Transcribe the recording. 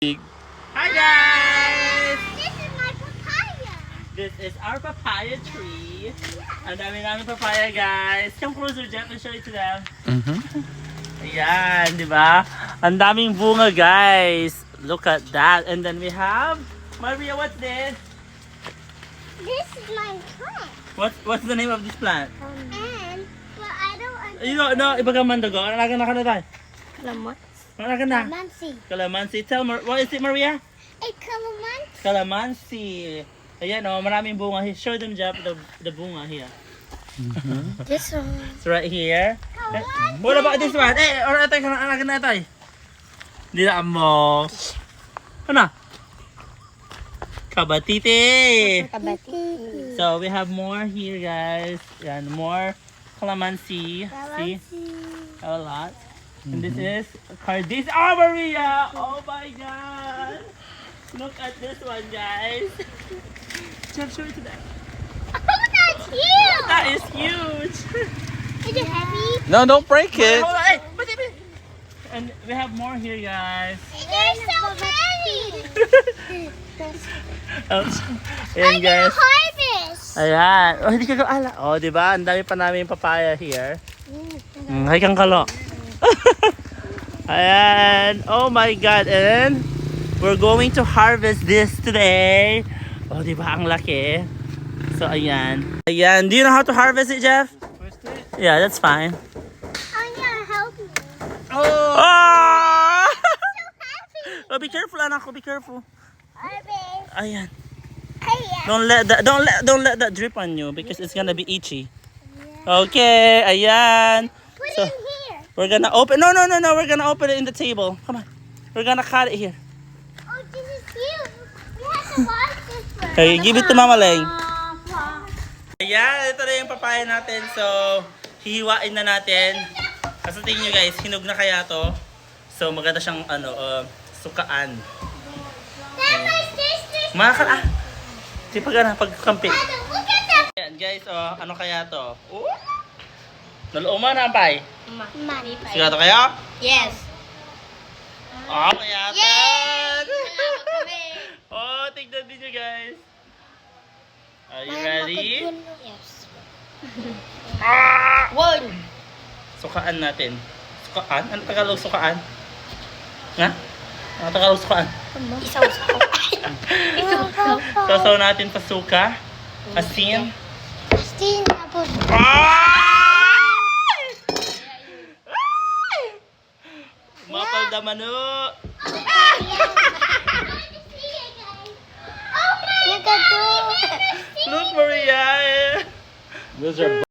Hi guys! This is my papaya. This is our papaya tree. Ang dami namin papaya guys. Come closer, Jeff, and show it to them. Ayan, di ba? Ang daming bunga guys. Look at that. And then we have, Maria, what's this? This is my plant. What's the name of this plant? And, but I don't understand. You don't know, iba ka mandago. Alaga na ka na tayo. Calamansi. Alaga na. Calamansi. Calamansi. Tell me, what is it, Maria? A calamansi. Calamansi. Ayan, oh, maraming bunga. Show them, Jeff, the bunga here. This one. It's right here. Calamansi. What about this one? Eh, or ito, alaga na ito. Hindi na mo. Ano? Kabatite. Kabati. So we have more here, guys. And more calamansi. See, a lot. And this is cardis. Oh, Maria! Oh my God! Look at this one, guys. Jeff, show it to them. Oh, that's huge. That is huge. Is it heavy? No, don't break it. Hold on, hey, wait. And we have more here, guys. They're so heavy. Ayan, guys. Harvest. Ayan. Oh, hindi ka ala. Oh, di ba? Ang dami pa namin papaya here. Hay kang kalo. Ayan. Oh my God. And we're going to harvest this today. Oh, di ba? Ang laki. So, ayan. Ayan. Do you know how to harvest it, Jeff? Yeah, that's fine. Anya, help me. Oh! Happy. Oh, be careful, anak ko. Be careful. Harvest. Ayan. Hey, Don't let that drip on you because it's gonna be itchy. Okay, ayan. put So- it in here. We're gonna open. No. We're gonna open it in the table. Come on. We're gonna cut it here. Oh, this is huge. We have to wash this first. Okay, give it to Mama Leng. Ayan, ito na yung papaya natin. So, hihiwain na natin. Kasi tingin nyo guys, hinog na kaya to. So, maganda siyang sukaan. Then my sister's Makakal Di pagkampi. mother, look at that. Ayan guys, ano kaya to? Naluuman na pay. Money. Sigado kayo? Yes. Oh, kaya to. Yay! Oh, tignan din nyo guys. Are you ready? Yes. One. Sukaan natin. Sukaan? Ano Tagalog sukaan? Nga? Ano Tagalog sukaan? Isaw-saw. Sasaw natin pa suka. Asin. Steam tapos. Mapal da mano. Nagado. Look, Maria. Those are